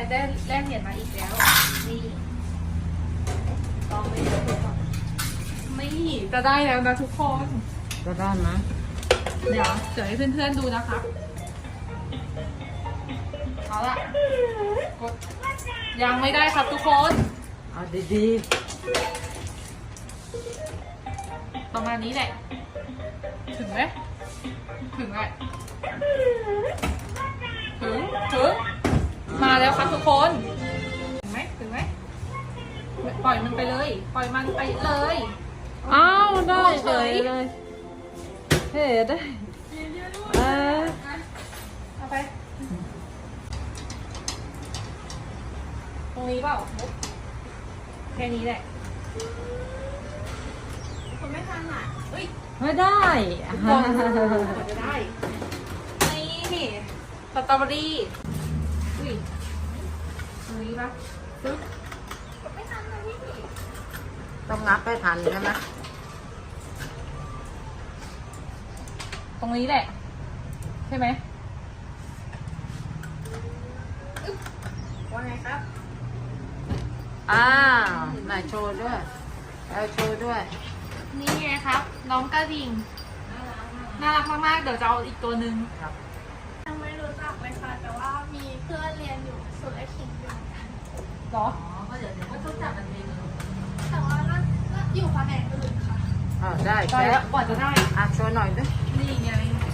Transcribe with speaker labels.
Speaker 1: ได้แลกเหรียญมาอีกแล้วนี่ลองไปดูก่อนไม่จะได้แล้วนะทุกคน
Speaker 2: จะได้ไหม
Speaker 1: เดี๋ยวให้เพื่อนๆดูนะครับเอาละกดยังไม่ได้ครับทุกคน
Speaker 2: เอาดี
Speaker 1: ประมาณนี้แหละ ถึงไหมถึงแหละถึงมาแล้วครับทุกคนถึงไหมปล่อยมันไปเลย ปล่อยมันไปเลย
Speaker 2: ๆอ้าวได้เฉยเลยเฮ้ได้เออ
Speaker 1: เอาไปตรงนี้เปล่าแค่นี้แหละคนไม่ทันอ่ะเฮ้ย
Speaker 2: ไม่ได้
Speaker 1: กว่าจะได้ นี่สตรอเบอรี่อุ้ยตรงนี้ปะปึ๊บไม่ทันเลยพี่
Speaker 2: ต้องนับให้ทันใช่ไหม
Speaker 1: ตรงนี้แหละ ใช่ไหมว่าไงครับ
Speaker 2: อ้าวไหนโชว์ด้วยเอาโชว์ด้วย
Speaker 1: นี่ไงครับ น้องกระดิ่งน่ารักมากๆ เดี๋ยวจะเอาอีกตัวหนึ่ง
Speaker 2: ครับ
Speaker 3: ยังไม่รู้จักเลยค่ะ แต่ว่ามีเพื่อนเรียนอยู่สุรคิงอยู่เหมือนกัน
Speaker 1: เหรอ
Speaker 2: อ๋อก็เดี๋ยวก็ต้องจับมันเอง
Speaker 3: แต่ว่าน่าอยู่แผนกอื่นค่ะ
Speaker 2: ได้
Speaker 1: ได้แล้วกว่าจะได้
Speaker 2: โชว์หน่อยด้วย
Speaker 1: นี่ไง